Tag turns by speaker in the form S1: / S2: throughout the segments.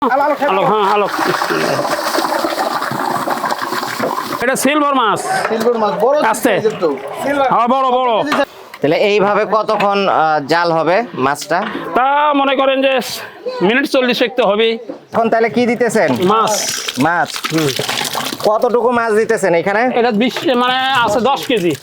S1: আলোক, হ্যাঁ আলোক। এটা সিলভার মাছ। আস্তে হ্যাঁ, বড় বড়।
S2: তাহলে এইভাবে কতক্ষণ জাল হবে মাছটা?
S1: তা মনে করেন যে মিনিট 40 একটু হবে।
S2: এখন তাহলে কি দিতেছেন?
S1: মাছ।
S2: মাছ কতটুকু মাছ দিতেছেন এখানে?
S1: এটা 20 মানে আছে 10 কেজি।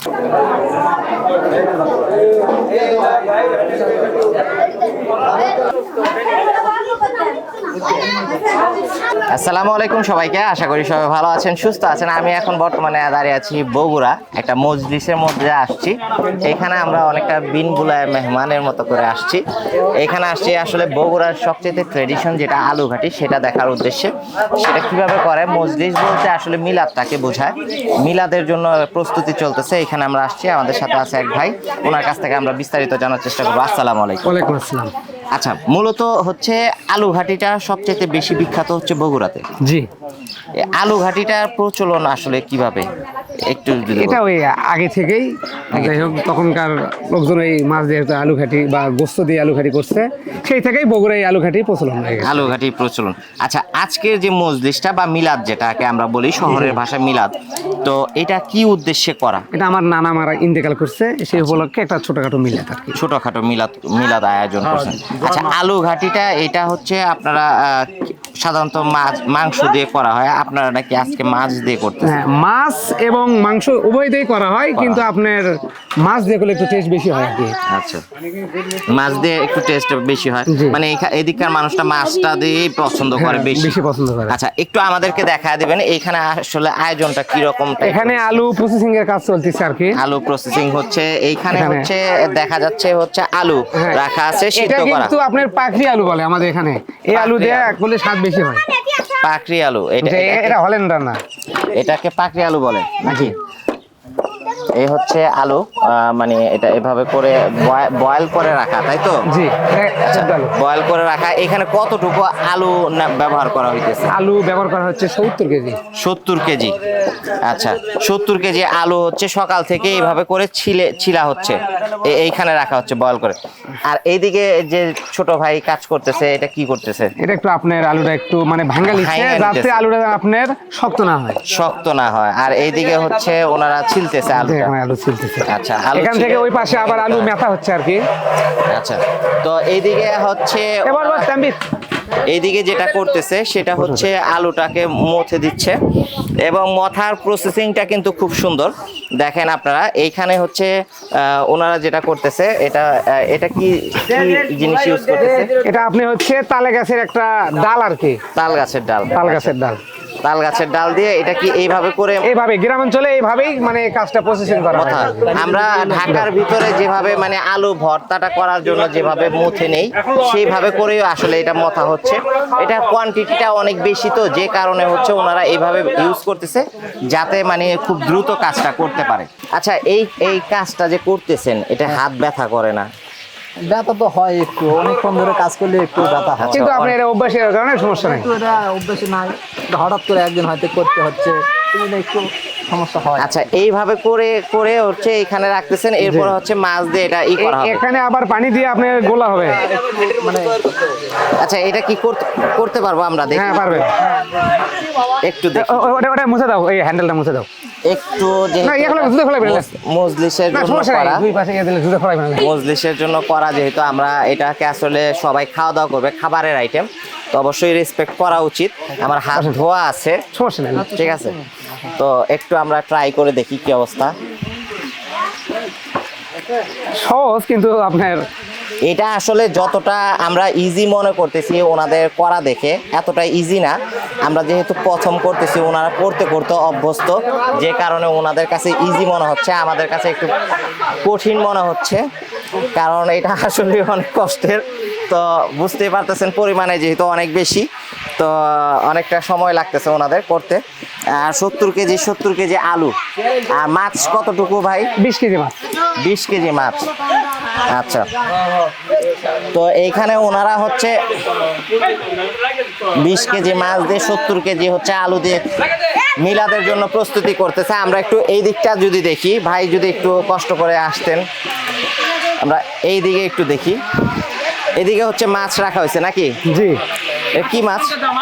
S2: আসসালামু আলাইকুম সবাইকে, আশা করি সবাই ভালো আছেন, সুস্থ আছেন। আমি এখন বর্তমানে দাঁড়িয়ে আছি বগুড়া একটা মজলিসের মধ্যে আসছি। এখানে আমরা অনেকটা বিনবুলায় মেহমানের মতো করে আসছি। এখানে আসছি আসলে বগুড়ার সবচেয়ে ট্রেডিশন যেটা আলুঘাটি সেটা দেখার উদ্দেশ্যে। সেটা কিভাবে করে, মজলিস বলতে আসলে মিলাদটাকে বোঝায়। মিলাদের জন্য প্রস্তুতি চলতেছে, এখানে আমরা আসছি। আমাদের সাথে আছে এক ভাই, ওনার কাছ থেকে আমরা বিস্তারিত জানার চেষ্টা করবো। আসসালামু আলাইকুম।
S3: ওয়ালাইকুম আসসালাম।
S2: আচ্ছা, মূলত হচ্ছে আলুঘাটিটা সবচেয়ে বেশি বিখ্যাত হচ্ছে বগুড়াতে।
S3: জি,
S2: আলু ঘাটিটার প্রচলন আসলে কিভাবে একটু যদি
S3: এটা ওই আগে থেকেই, যাই হোক তখনকার লোকজন এই মাছ দিয়ে হয়তো আলু ঘাটি বা গোস্ত দিয়ে আলু ঘাটি করছে, সেই থেকেই বগুড়ায় আলু ঘাটি প্রচলন হয়ে গেছে।
S2: আলু ঘাটির প্রচলন। আচ্ছা, আজকের যে মজলিসটা বা মিলাদ যেটাকে আমরা বলি শহরের ভাষায় মিলাদ, তো এটা কি উদ্দেশ্যে করা?
S3: এটা আমার নানা মারা ইন্তেকাল করছে, সেই উপলক্ষে একটা ছোটখাটো মিলাদ আর কি।
S2: ছোটখাটো মিলাদ মিলাদ আয়োজন করছেন। আচ্ছা, আলু ঘাটিটা এটা হচ্ছে আপনারা সাধারণত মাংস দিয়ে করা হয়, আপনারা নাকি আজকে মাছ দিয়ে করতেছেন?
S3: হ্যাঁ, মাছ এবং মাংস উভয় দিয়েই করা হয়, কিন্তু আপনার মাছ দিয়ে করলে একটু টেস্ট বেশি হয় আর কি।
S2: আচ্ছা, মাছ দিয়ে একটু টেস্ট বেশি হয়,
S3: জি।
S2: মানে এদিককার মানুষটা মাছটা দিয়েই পছন্দ করে
S3: হ্যাঁ,
S2: বেশি।
S3: বেশি পছন্দ করে।
S2: আচ্ছা, একটু আমাদেরকে দেখা দিবেন এইখানে আসলে আয়োজনটা কি রকম?
S3: এখানে আলু প্রসেসিং এর কাজ চলতেছে আর কি।
S2: আলু প্রসেসিং হচ্ছে এইখানে,
S3: এখানে।
S2: হচ্ছে দেখা যাচ্ছে হচ্ছে আলু
S3: হ্যাঁ,
S2: রাখা আছে সিদ্ধ
S3: এটা
S2: করা।
S3: কিন্তু আপনার পাখরি আলু বলে আমাদের এখানে। এই আলু
S2: পাখরি
S3: দিয়ে
S2: আলু।
S3: করলে স্বাদ বেশি হয়।
S2: পাকড়ি আলু, এটা
S3: এটা হল্যান্ডার না।
S2: এটাকে পাকড়ি আলু বলে নাকি? এই হচ্ছে আলু, মানে এটা এভাবে করে বয়েল করে রাখা, তাই তো?
S3: জি, সিদ্ধ আলু।
S2: বয়েল করে রাখা। এখানে কতটুকু আলু ব্যবহার করা হইতেছে?
S3: আলু ব্যবহার করা হচ্ছে 70 কেজি।
S2: 70 কেজি। আচ্ছা, 70 কেজি আলু হচ্ছে সকাল থেকে এইভাবে করে ছিলা হচ্ছে, এইখানে রাখা হচ্ছে বয়েল করে। আর এইদিকে যে ছোট ভাই কাজ করতেছে, এটা কি করতেছে?
S3: এটা একটু আপনার আলুটা একটু মানে ভাঙা লিখছে,
S2: ভাঙা
S3: যাতে
S2: নিতেছে।
S3: আলুটা আপনার শক্ত না হয়।
S2: শক্ত না হয়। আর এইদিকে হচ্ছে ওনারা ছিলতেছে আলুটা।
S3: এখানে আলু ছিলতেছে।
S2: আচ্ছা, আলু
S3: এখান থেকে ওই পাশে আবার আলু মেথা হচ্ছে আর কি।
S2: আচ্ছা, তো এইদিকে হচ্ছে
S3: এবার বস তাম্বির।
S2: এইদিকে যেটা করতেছে সেটা হচ্ছে আলুটাকে মথে দিচ্ছে, এবং মথার প্রসেসিংটা কিন্তু খুব সুন্দর। দেখেন আপনারা এইখানে হচ্ছে ওনারা যেটা করতেছে, এটা কি জিনিস ইউজ করতেছে?
S3: এটা আপনি হচ্ছে তালে গাছের একটা ডাল আর কি।
S2: তাল গাছের ডাল।
S3: তাল গাছের ডাল।
S2: তাল গাছের ডাল দিয়ে এটা কি এইভাবে করে
S3: এইভাবে গ্রামাঞ্চলে এইভাবেই মানে কাজটা প্রসেসিং করা হয়।
S2: মথা? আমরা ঢাকার ভিতরে যেভাবে মানে আলু ভর্তাটা করার জন্য যেভাবে মুথে নেই, সেইভাবে করেই আসলে এটা মথা হচ্ছে। এটা কোয়ান্টিটিটা অনেক বেশি, তো যে কারণে হচ্ছে ওনারা এইভাবে ইউজ করতেছে যাতে মানে খুব দ্রুত কাজটা করতে পারে। আচ্ছা, এই কাজটা যে করতেছেন, এটা হাত ব্যথা করে না?
S4: ব্যথা তো হয় একটু, অনেকক্ষণ ধরে কাজ করলে একটু ব্যথা হয়।
S3: কিন্তু আপনার এটা অভ্যাসের কারণে সমস্যা নেই।
S4: কিন্তু এটা অভ্যাস নাই, হঠাৎ করে একদিন হয়তো করতে হচ্ছে, এটা একটু সমস্যা হয়।
S2: আচ্ছা, এইভাবে করে করে হচ্ছে এখানে রাখতেছেন, এরপর হচ্ছে মাছ দিয়ে এটা করা হবে।
S3: এখানে আবার পানি দিয়ে আপনার গোলা হবে।
S4: মানে
S2: আচ্ছা, এটা কি করতে পারবো আমরা? দেখি।
S3: হ্যাঁ, পারবেন।
S2: একটু দেখি,
S3: ওটা মুছে দাও, এই হ্যান্ডেলটা মুছে দাও।
S2: একটু
S3: না, এগুলো জুতো ফেলাবে না।
S2: মজলিসের
S3: না,
S2: জন্য
S3: সমস্যা
S2: করা।
S3: নাই, দুই পাশে ইয়ে দিলে জুতো ফেলাবে না।
S2: মজলিসের জন্য করা, যেহেতু আমরা এটাকে আসলে সবাই খাওয়া দাওয়া করবে, খাবারের আইটেম, তো অবশ্যই রেসপেক্ট করা উচিত। আমার হাত ধোয়া আছে,
S3: সমস্যা নেই।
S2: ঠিক আছে? তো একটু আমরা ট্রাই করে দেখি কি অবস্থা।
S3: সহজ, কিন্তু আপনার
S2: এটা আসলে যতটা আমরা ইজি মনে করতেছি ওনাদের করা দেখে, এতটা ইজি না। আমরা যেহেতু প্রথম করতেছি, ওনারা করতে করতে অভ্যস্ত, যে কারণে ওনাদের কাছে ইজি মনে হচ্ছে, আমাদের কাছে একটু কঠিন মনে হচ্ছে, কারণ এটা আসলে অনেক কষ্টের। তো বুঝতেই পারতেছেন পরিমাণে যেহেতু অনেক বেশি, তো অনেকটা সময় লাগতেছে ওনাদের করতে। আর 70 কেজি আলু। আর মাছ কতটুকু ভাই?
S3: 20 কেজি মাছ।
S2: 20 কেজি মাছ। আচ্ছা, তো এইখানে ওনারা হচ্ছে 20 কেজি মাছ দিয়ে 70 কেজি হচ্ছে আলু দিয়ে মিলাদের জন্য প্রস্তুতি করতেছে। আমরা একটু এই দিকটা যদি দেখি, ভাই যদি একটু কষ্ট করে আসতেন, আমরা এই দিকে একটু দেখি। এদিকে হচ্ছে মাছ রাখা হয়েছে নাকি?
S3: জি।
S2: এ কি মাছ?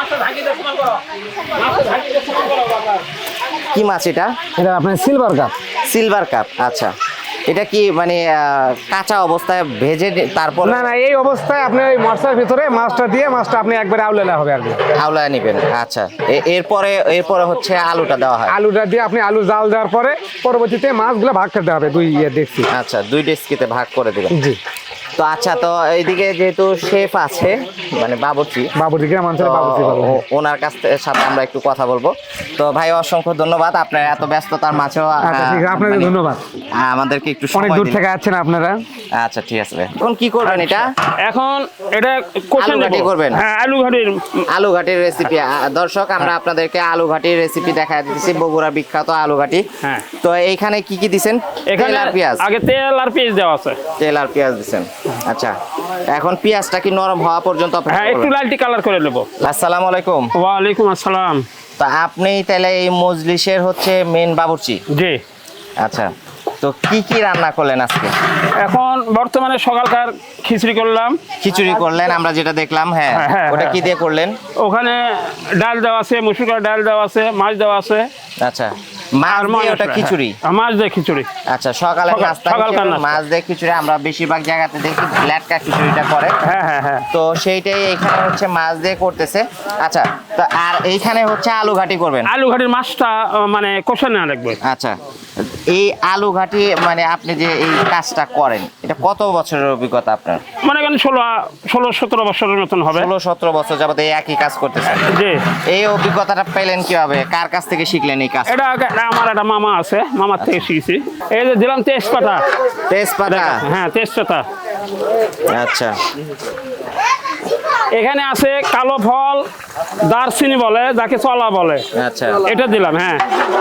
S2: কি মাছ এটা?
S3: এটা আপনার সিলভার কাপ।
S2: সিলভার কাপ, আচ্ছা। এটা কি মানে কাঁচা অবস্থায় ভেজে তারপর?
S3: না না, এই অবস্থায় আপনি ওই মশলার ভিতরে মাছটা দিয়ে মাছটা আপনি একবারে আউলালে হবে আর কি।
S2: আউলায় নেবেন, আচ্ছা। এরপরে হচ্ছে আলুটা দেওয়া হয়।
S3: আলুটা দিয়ে আপনি আলু জাল দেওয়ার পরে পরবর্তীতে মাছগুলো ভাগ করতে হবে, দুই দেখছি।
S2: আচ্ছা, 2 ডেস্কিতে ভাগ করে দিবেন।
S3: জি।
S2: তো আচ্ছা, তো এইদিকে যেহেতু শেফ আছে মানে বাবুর্চি,
S3: গ্রাম অঞ্চলে বাবুর্চি বলে।
S2: ওনার সাথে আমরা একটু কথা বলবো। তো ভাই, অসংখ্য ধন্যবাদ, আপনার এত ব্যস্ততার মাঝেও
S3: আচ্ছা ঠিক আছে, আপনাদের ধন্যবাদ।
S2: আমাদেরকে একটু
S3: অনেক
S2: সময়
S3: দূর
S2: দিলেন।
S3: থেকে আছেন আপনারা।
S2: আচ্ছা ঠিক আছে ভাই। এখন কি করবেন এটা?
S1: এখন এটা কষে
S2: আলু ঘাটি
S1: নেব।
S2: করবেন?
S1: হ্যাঁ, আলু ঘাটির।
S2: আলু ঘাটির রেসিপি দর্শক, আমরা আপনাদেরকে আলু ঘাটির রেসিপি দেখায় দিতেছি, বগুড়া বিখ্যাত আলু ঘাটি।
S1: হ্যাঁ।
S2: তো এইখানে কি কি দিছেন?
S1: এখানে
S2: তেল আর পেঁয়াজ।
S1: আগে তেল আর পেঁয়াজ দেওয়া আছে।
S2: তেল আর পেঁয়াজ দিছেন, আচ্ছা। এখন পেঁয়াজটা কি নরম হওয়া পর্যন্ত অপেক্ষা
S1: হ্যাঁ, একটু
S2: করবেন?
S1: লালটি কালার করে নেব।
S2: আসসালামু আলাইকুম।
S1: ওয়ালাইকুম আসসালাম।
S2: তো আপনি তাহলে এই মজলিসের হচ্ছে মেন বাবুর্চি?
S1: জি।
S2: আচ্ছা, তো কি কি রান্না করলেন আজকে?
S1: এখন বর্তমানে সকালকার খিচুড়ি করলাম।
S2: খিচুড়ি করলেন, আমরা যেটা দেখলাম। হ্যাঁ,
S1: হ্যাঁ,
S2: ওটা
S1: হ্যাঁ।
S2: কি দিয়ে করলেন?
S1: ওখানে ডাল দেওয়া আছে, মুসুর ডাল দেওয়া আছে, মাছ দেওয়া আছে।
S2: আচ্ছা, মাছ
S1: আর
S2: দিয়ে ওটা খিচুড়ি?
S1: হ্যাঁ, মাছ দিয়ে খিচুড়ি।
S2: আচ্ছা, সকালে নাস্তা
S1: সকালকার নাস্তা।
S2: মাছ দিয়ে খিচুড়ি। আমরা বেশিরভাগ জায়গাতে দেখি লেটকা খিচুড়িটা করে।
S1: হ্যাঁ হ্যাঁ হ্যাঁ।
S2: তো সেইটাই এখানে হচ্ছে মাছ দিয়ে করতেছে। আচ্ছা, তো আর এইখানে হচ্ছে আলু ঘাটি করবেন?
S1: আলু ঘাটির মাছটা মানে কষে নেওয়া লাগবে।
S2: আচ্ছা, এই আলু ঘাটি মানে আপনি যে এই কাজটা করেন, এটা কত বছরের অভিজ্ঞতা আপনার?
S1: মনে করেন 16-17 বছরের মতন হবে।
S2: 16-17 বছর যাবত এই একই কাজ করতেছেন?
S1: জি।
S2: এই অভিজ্ঞতাটা পেলেন কিভাবে? কার কাছ থেকে শিখলেন এই কাজ?
S1: এটা আমার একটা মামা আছে, মামার থেকে শিখেছি। এই যে দিলাম তেজপাতা।
S2: তেজপাতা?
S1: হ্যাঁ, তেজপাতা।
S2: আচ্ছা,
S1: এখানে আছে কালো ফল, দারচিনি বলে, যাকে চলা বলে।
S2: আচ্ছা।
S1: এটা দিলাম। হ্যাঁ,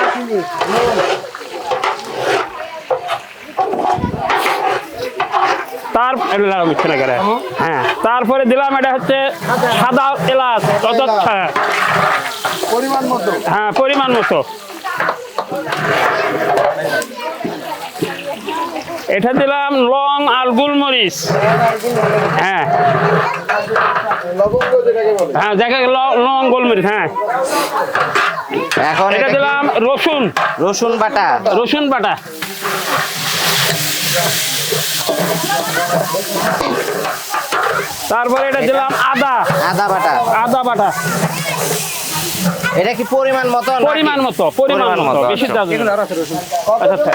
S1: হ্যাঁ, তারপরে দিলাম এটা হচ্ছে সাদা এলাচ, হ্যাঁ পরিমাণ মতো। এটা দিলাম লং আর গোলমরিচ। হ্যাঁ হ্যাঁ, যাকে লং গোলমরিচ। হ্যাঁ,
S2: এখন
S1: এটা দিলাম রসুন।
S2: রসুন বাটা?
S1: রসুন বাটা। তারপরে এটা দিলাম আদা।
S2: আদা বাটা?
S1: আদা বাটা।
S2: এটা কি পরিমাণ মতো?
S1: পরিমাণ মতো, পরিমাণ মতো, বেশি দেওয়া যাবে না। আচ্ছা,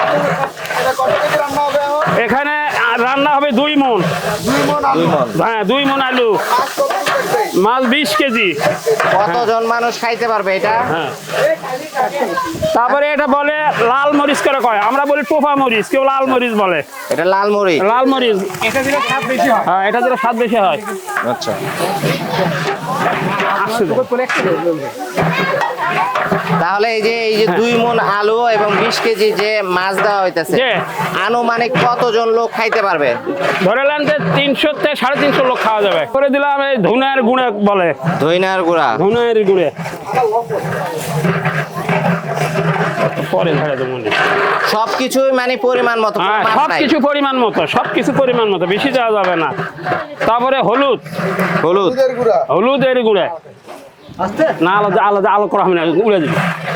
S1: এখানে রান্না হবে 2 মণ।
S2: 2 মণ?
S1: হ্যাঁ, 2 মণ আলু, মাছ 20 কেজি।
S2: কতজন মানুষ খাইতে পারবে এটা?
S1: হ্যাঁ। তারপরে এটা বলে লাল মরিচ করে কয়, আমরা বলি টোফা মরিচ, কেউ লাল মরিচ বলে।
S2: এটা লাল মরিচ?
S1: লাল মরিচ। এটা দিলে স্বাদ বেশি হয়। হ্যাঁ, এটা দিলে স্বাদ বেশি হয়।
S2: আচ্ছা। তাহলে এই যে 2 মণ আলু এবং 20 কেজি যে মাছ দেওয়া হইতেছে, আনুমানিক কতজন লোক খাইতে পারবে?
S1: ধরে নেন যে 300 থেকে 350 লোক খাওয়া যাবে। করে দিলাম এই ধনের গুঁড়ে বলে।
S2: ধইনার গুঁড়া?
S1: ধনের গুঁড়ে। পরে ধরে দেবো।
S2: সবকিছুই মানে পরিমাণ মতো?
S1: হ্যাঁ, সবকিছু পরিমাণ মতো, সবকিছু পরিমাণ মতো, বেশি দেওয়া যাবে না। তারপরে হলুদ। হলুদের গুঁড়ে না, আলাদা আলাদা আলো করা হবে না, উড়ে দিবে।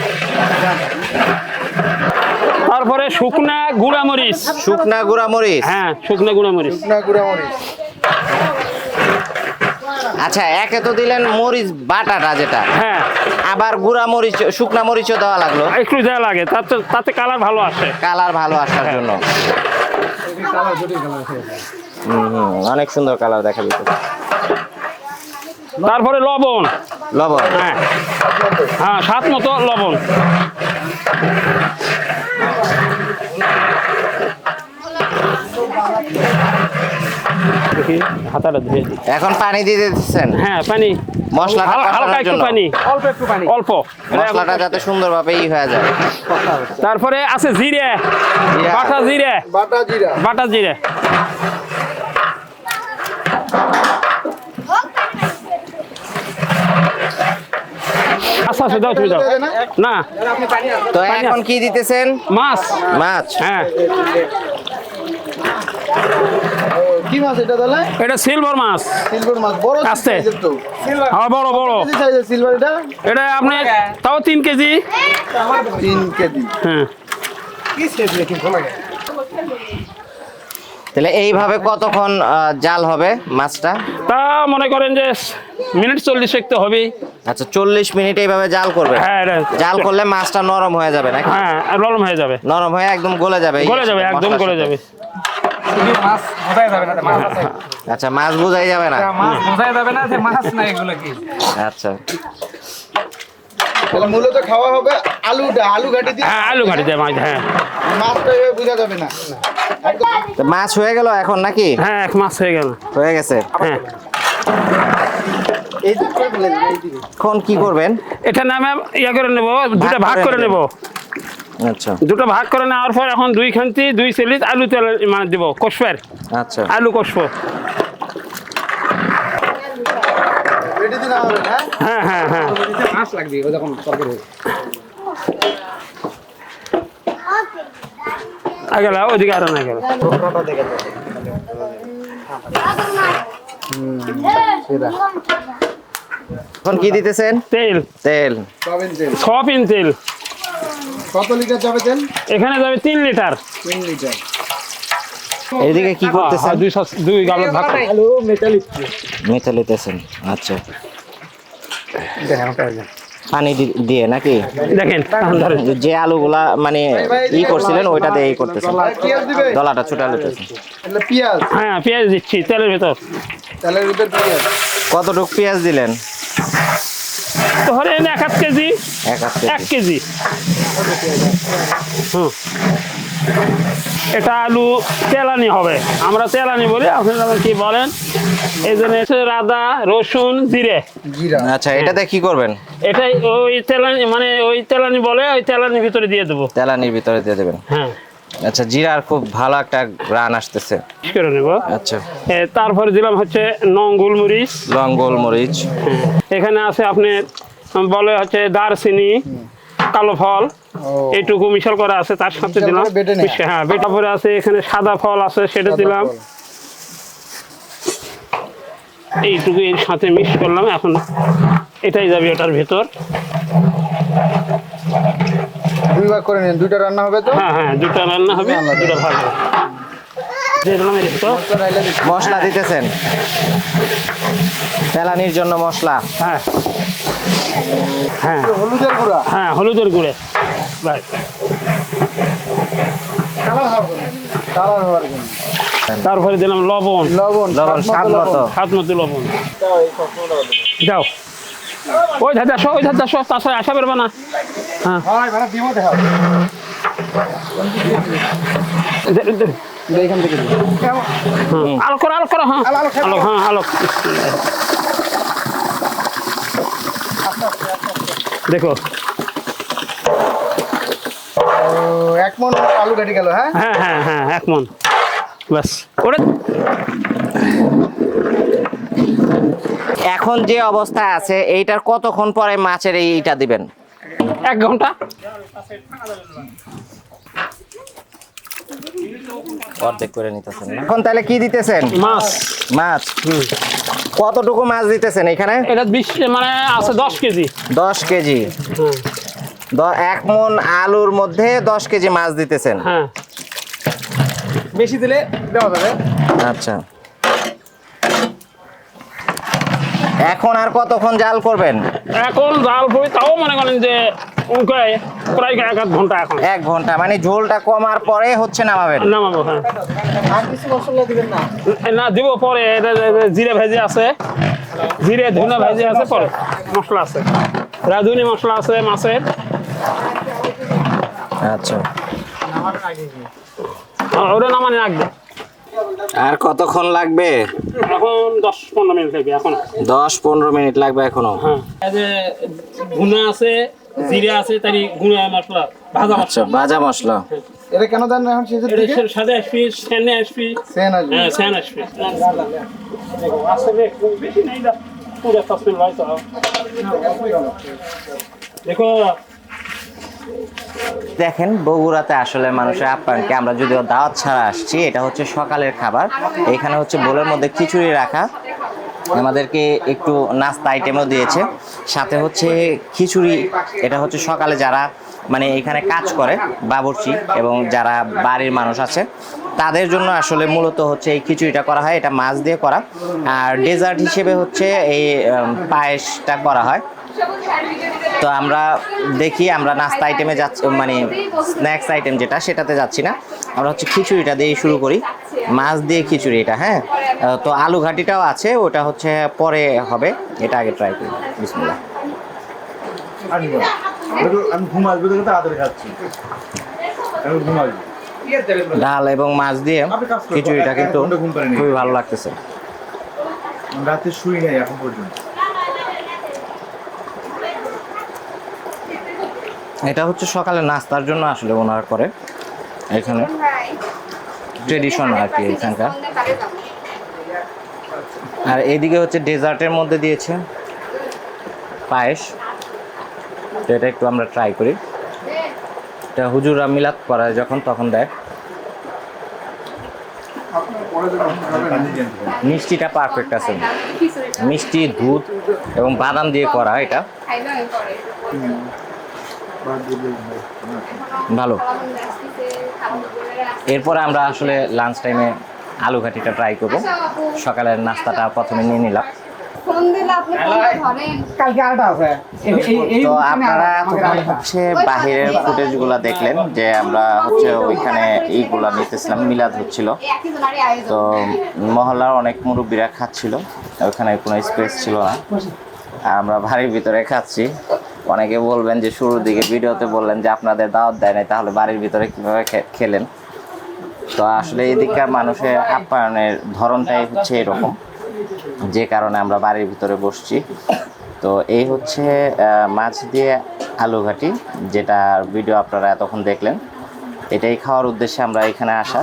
S1: তারপরে শুকনা গুঁড়া মরিচ।
S2: শুকনা গুঁড়া মরিচ?
S1: হ্যাঁ, শুকনা গুঁড়া মরিচ।
S2: আচ্ছা, একে তো দিলেন মরিচ বাটাটা যেটা,
S1: হ্যাঁ,
S2: আবার গুঁড়া মরিচ, শুকনা মরিচও দেওয়া লাগলো?
S1: একটু দেওয়া লাগে, তাতে কালার ভালো আসে।
S2: কালার ভালো আসার জন্য। অনেক সুন্দর কালার দেখা যেত।
S1: তারপরে লবণ।
S2: লবণ?
S1: হ্যাঁ হ্যাঁ, স্বাদ মতো লবণ। দেখি হাতাটা ধুয়ে দিই।
S2: এখন পানি দিয়ে দিচ্ছেন?
S1: হ্যাঁ, পানি।
S2: মশলাটা
S1: হালকা একটু পানি,
S3: অল্প একটু পানি,
S1: অল্প,
S2: মশলাটা যাতে সুন্দরভাবে হয়ে যায়।
S1: তারপরে আছে জিরে, বাটা জিরে। বাটা জিরে। আচ্ছা, দাও তুমি দাও না।
S2: তো এখন কি দিতেছেন?
S1: মাছ।
S2: মাছ?
S1: হ্যাঁ,
S4: কি মাছ এটা তাহলে?
S1: এটা সিলভার মাছ।
S4: সিলভার মাছ বড়
S1: আস্তে।
S4: সাইজের তো।
S1: হ্যাঁ বড় বড়।
S4: কেজি সাইজের সিলভার এটা?
S1: এটা আপনার তাও 3 কেজি।
S4: 3 কেজি।
S1: হ্যাঁ
S2: তাহলে এইভাবে কতক্ষণ জাল হবে মাছটা?
S1: তা মনে করেন যে মিনিট 40 একটু হবে।
S2: আচ্ছা 40 মিনিট এইভাবে জাল করবে।
S1: হ্যাঁ
S2: জাল করলে মাছটা নরম হয়ে যাবে নাকি?
S1: হ্যাঁ নরম হয়ে যাবে।
S2: নরম হয়ে একদম গলে যাবে।
S1: গলে যাবে, একদম
S2: মশলার
S1: গলে
S2: সাথে।
S1: যাবে।
S3: মাছ বোঝাই যাবে না, মাছ আছে।
S2: আচ্ছা মাছ বোঝাই যাবে না।
S3: মাছ বোঝাই যাবে না যে মাছ না এগুলো কি।
S2: আচ্ছা
S4: তাহলে মূলত খাওয়া হবে আলু ঘাটি দিয়ে।
S1: হ্যাঁ আলু ঘাটি দিয়ে মাছ। হ্যাঁ
S4: মাছটা এভাবে বোঝা যাবে না।
S2: তো মাছ হয়ে গেল এখন নাকি?
S1: হ্যাঁ এক মাছ হয়ে গেল।
S2: হয়ে গেছে।
S1: হ্যাঁ
S4: এই দিক করে ফেলে দিবে, এই দিকে।
S2: এখন কি করবেন?
S1: এটা নামে ইয়া করে নেব, দুটা ভাগ করে নেব।
S2: আচ্ছা
S1: দুটো ভাগ করে নেওয়ার পর এখন 2 খান্তি 2 সেলিট আলু তেল মানে দেবো, কষবের
S2: আচ্ছা
S1: আলু কষবো।
S4: রেডি দিন হবে না?
S1: হ্যাঁ হ্যাঁ হ্যাঁ
S3: মাছ লাগবে ও যখন তরকারি হবে।
S1: আগে লাও, ওইদিকে আরো না গেল।
S2: এখন কি দিতেছেন?
S1: তেল
S2: তেল।
S4: সয়াবিন তেল।
S1: সয়াবিন তেল
S4: কত লিটার যাবে তেল?
S1: এখানে যাবে 3 লিটার।
S4: 3 লিটার।
S2: এইদিকে কি করতেছেন?
S1: 2 গাবলা ভাগ করে।
S3: আলু মেটালিক
S2: মেথা লিতেছেন। আচ্ছা
S3: দেখেন কাজ।
S2: পানি দিয়ে নাকি?
S1: দেখেন এখন ধরেন।
S2: যে আলুগুলা মানে করছিলেন ওইটা দিয়ে করতেছেন।
S4: পেঁয়াজ দিবে?
S2: দলাটা ছুটা লিতেছেন।
S4: তাহলে পেঁয়াজ,
S1: হ্যাঁ পেঁয়াজ দিচ্ছি তেলের ভেতর।
S4: তেলের ভিতর পেঁয়াজ।
S2: কতটুক পেঁয়াজ দিলেন?
S1: ধরেন 1 কেজি।
S2: 1
S1: 1 কেজি। হুম এটা আলু তেলানি হবে, আমরা তেলানি বলি, আপনারা কি বলেন? এই জন্য আদা রসুন জিরে।
S4: জিরা।
S2: আচ্ছা এটাতে কি করবেন?
S1: এটাই ওই তেলানি মানে ওই তেলানি বলে, ওই তেলানির ভিতরে দিয়ে দেবো।
S2: তেলানির ভিতরে দিয়ে দেবেন।
S1: হ্যাঁ
S2: আচ্ছা জিরার খুব ভালো একটা গ্রান আসতেছে।
S1: ঠিক করে নেব।
S2: আচ্ছা
S1: তারপরে দিলাম হচ্ছে নং গোলমরিচ।
S2: লং গোলমরিচ।
S1: এখানে আছে আপনার বলে হচ্ছে দারচিনি, কালো ফল, এইটুকু মিশাল করা আছে, তার সাথে
S4: মিশাল
S1: দিলাম।
S4: করে বেটে নেয়া।
S1: হ্যাঁ বেটা পরে আছে এখানে সাদা ফল আছে, সেটা দিলাম। এইটুকু এর সাথে মিক্স করলাম। এখন এটাই যাবে ওটার ভেতর।
S4: 2 ভাগ করে নিন, 2টা রান্না হবে তো?
S1: হ্যাঁ হ্যাঁ 2টা রান্না হবে, 2টা ভাগ হবে। দিয়ে দিলাম এর ভেতর।
S2: মশলা দিতেছেন? তেলানির জন্য মশলা।
S1: হ্যাঁ হ্যাঁ
S4: হলুদের গুঁড়া।
S1: হ্যাঁ হলুদের গুঁড়ে। রাইট।
S4: কালার হওয়ার জন্য।
S1: তারপরে দিলাম লবণ।
S4: লবণ,
S2: লবণ স্বাদ মতো।
S1: হাত মতো লবণ। যাও ওই ধারে আসো, ওই ধারে আসো, তাছাড়া আসা পারবে না। হ্যাঁ
S4: হয় ভাড়া দিব দেখাও। এইখান থেকে দিই।
S1: আলো করো, আলো করো। হ্যাঁ আলো, হ্যাঁ আলো। দেখো।
S4: ও 1 মণ আলু ঘাটি গেল, হ্যাঁ?
S1: হ্যাঁ হ্যাঁ হ্যাঁ 1 মণ বাস। ওটা
S2: এখন যে অবস্থা আছে এইটার কতক্ষণ পরে মাছের এইটা দিবেন?
S1: 1 ঘন্টা।
S2: অর্ধেক করে নিতেছেন। এখন তাহলে কি দিতেছেন?
S1: মাছ।
S2: মাছ। কতটুকু মাছ দিতেছেন এখানে?
S1: এটা 20 মানে আছে 10 কেজি।
S2: 10 কেজি। 1 মণ আলুর মধ্যে 10 কেজি মাছ দিতেছেন।
S1: হ্যাঁ
S3: বেশি দিলে দেওয়া যাবে।
S2: আচ্ছা এখন আর কতক্ষণ জাল করবেন?
S1: এখন জাল পড়ি তাও মনে করেন যে প্রায় 1 ঘন্টা। এখন
S2: 1 ঘন্টা মানে ঝোলটা কমার পরে হচ্ছে নামাবেন?
S1: নামাবো। হ্যাঁ
S4: আর কিছু মশলা দিবেন না?
S1: না দিব পরে। এটা জিরে ভেজে আছে, জিরে ধনে ভেজে আছে, পরে মশলা আছে, রাঁধুনি মশলা আছে মাছের।
S2: আচ্ছা
S1: ওটা নামানি রাখবে।
S2: আর কতক্ষণ লাগবে?
S1: এখন 10-15 মিনিট লাগবে। এখন
S2: 10-15 মিনিট লাগবে এখনো।
S1: হ্যাঁ এই যে ধনে আছে, জিরে আছে, তাই গুঁড়া মশলা, ভাজা
S2: আচ্ছা
S1: মশলা।
S2: ভাজা মশলা।
S4: এটা কেন দেন না এখন শেষের দিকে?
S1: এটা সাদা আসবি, সেনে আসবি।
S4: সেন আসবে।
S1: হ্যাঁ সেন আসবি। দেখো আসলে খুব বেশি নাই দা, পুরো তাসমিল ভাই তো। দেখো
S2: দেখেন বগুড়াতে আসলে মানুষের আপ্যায়নকে আমরা যদিও দাওয়াত ছাড়া আসছি, এটা হচ্ছে সকালের খাবার। এখানে হচ্ছে বোলের মধ্যে খিচুড়ি রাখা, আমাদেরকে একটু নাস্তা আইটেমও দিয়েছে, সাথে হচ্ছে খিচুড়ি। এটা হচ্ছে সকালে যারা মানে এখানে কাজ করে বাবুর্চি এবং যারা বাড়ির মানুষ আছে তাদের জন্য আসলে মূলত হচ্ছে এই খিচুড়িটা করা হয়। এটা মাছ দিয়ে করা। আর ডেজার্ট হিসেবে হচ্ছে এই পায়েসটা করা হয়। তো আমরা দেখি আমরা নাস্তা আইটেমে যাচ্ছি, মানে স্ন্যাক্স আইটেম যেটা সেটাতে যাচ্ছি না, আমরা হচ্ছে খিচুড়িটা দিয়ে শুরু করি। মাছ দিয়ে খিচুড়ি এটা, হ্যাঁ। তো আলু ঘাটিটাও আছে, ওটা হচ্ছে পরে হবে, এটা আগে ট্রাই করি। বিসমিল্লাহ।
S5: আমি ঘুম আসবে দেখে তাড়াতাড়ি খাচ্ছি, আমি ঘুম আসবে।
S2: ডাল এবং মাছ দিয়ে খিচুড়িটা কিন্তু খুবই ভালো লাগতেছে।
S5: রাতে শুই নাই এখন পর্যন্ত।
S2: এটা হচ্ছে সকালে নাস্তার জন্য আসলে ওনারা করে এখানে, ট্রেডিশন আর কি এখানকার। আর এইদিকে হচ্ছে ডেজার্টের মধ্যে দিয়েছে পায়েস, তো এটা একটু আমরা ট্রাই করি। এটা হুজুররা মিলাদ করায় যখন তখন দেয়। মিষ্টিটা পারফেক্ট আছে, মিষ্টি দুধ এবং বাদাম দিয়ে করা এটা, ভালো। এরপরে আমরা আসলে লাঞ্চ টাইমে আলু ঘাটিটা ট্রাই করবো। সকালের নাস্তাটা প্রথমে নিয়ে নিলাম। তো আপনারা তখন হচ্ছে বাহিরের ফুটেজগুলো দেখলেন যে আমরা হচ্ছে ওইখানে এইগুলা নিতেছিলাম, মিলাদ হচ্ছিল। তো মহল্লার অনেক মুরব্বীরা খাচ্ছিল, ওইখানে কোনো স্পেস ছিল না, আর আমরা বাড়ির ভিতরে খাচ্ছি। অনেকে বলবেন যে শুরুর দিকে ভিডিওতে বললেন যে আপনাদের দাওয়াত দেয় নাই, তাহলে বাড়ির ভিতরে কীভাবে খেলেন? তো আসলে এদিককার মানুষের আপ্যায়নের ধরনটাই হচ্ছে এরকম, যে কারণে আমরা বাড়ির ভিতরে বসছি। তো এই হচ্ছে মাছ দিয়ে আলু ঘাটি, যেটা ভিডিও আপনারা এতক্ষণ দেখলেন। এটাই খাওয়ার উদ্দেশ্যে আমরা এখানে আসা।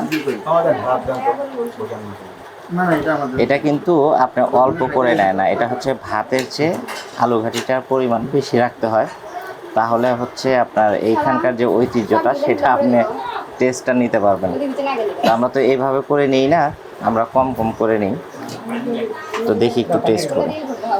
S2: এটা কিন্তু আপনি অল্প করে নেয় না, এটা হচ্ছে ভাতের চেয়ে আলু ঘাটিটার পরিমাণ বেশি রাখতে হয়, তাহলে হচ্ছে আপনার এইখানকার যে ঐতিহ্যটা সেটা আপনি টেস্টটা নিতে পারবেন। তো আমরা তো এইভাবে করে নিই না, আমরা কম কম করে নিই। তো দেখি একটু টেস্ট করি।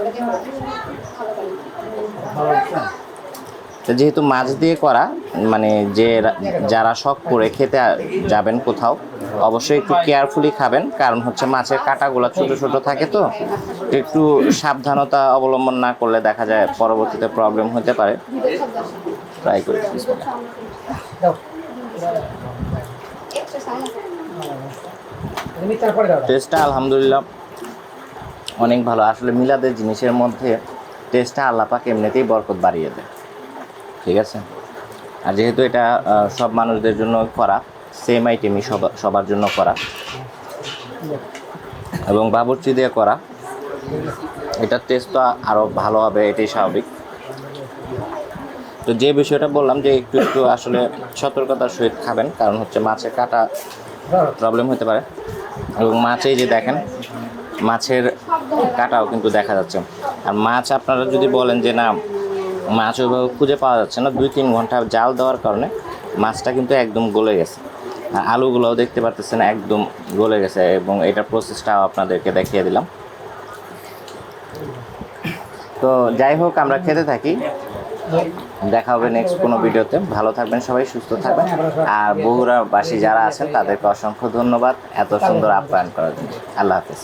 S2: তো যেহেতু মাছ দিয়ে করা, মানে যে যারা শখ করে খেতে যাবেন কোথাও, অবশ্যই একটু কেয়ারফুলি খাবেন, কারণ হচ্ছে মাছের কাঁটাগুলো ছোট ছোট থাকে, তো একটু সাবধানতা অবলম্বন না করলে দেখা যায় পরবর্তীতে প্রবলেম হতে পারে। ট্রাই করি। টেস্টটা আলহামদুলিল্লাহ অনেক ভালো। আসলে মিলাদের জিনিসের মধ্যে টেস্টটা আল্লাহ পাক এমনিতেই বরকত বাড়িয়ে দেয়, ঠিক আছে। আর যেহেতু এটা সব মানুষদের জন্য করা, সেম আইটেমই সবার জন্য করা এবং বাবুর্চি দিয়ে করা, এটার টেস্টটা আরও ভালো হবে, এটাই স্বাভাবিক। তো যে বিষয়টা বললাম যে একটু একটু আসলে সতর্কতার সহিত খাবেন, কারণ হচ্ছে মাছের কাটা প্রবলেম হতে পারে। এবং মাছেই যে দেখেন মাছের কাটাও কিন্তু দেখা যাচ্ছে। আর মাছ আপনারা যদি বলেন যে না মাছ ওইভাবে খুঁজে পাওয়া যাচ্ছে না, 2-3 ঘন্টা জাল দেওয়ার কারণে মাছটা কিন্তু একদম গলে গেছে। আর আলুগুলোও দেখতে পারতেছেন একদম গলে গেছে, এবং এটার প্রসেসটাও আপনাদেরকে দেখিয়ে দিলাম। তো যাই হোক, আমরা খেতে থাকি, দেখা হবে নেক্সট কোনো ভিডিওতে। ভালো থাকবেন সবাই, সুস্থ থাকবেন। আর বগুড়াবাসী যারা আছেন তাদেরকে অসংখ্য ধন্যবাদ এত সুন্দর আপ্যায়ন করার জন্য। আল্লাহ হাফেজ।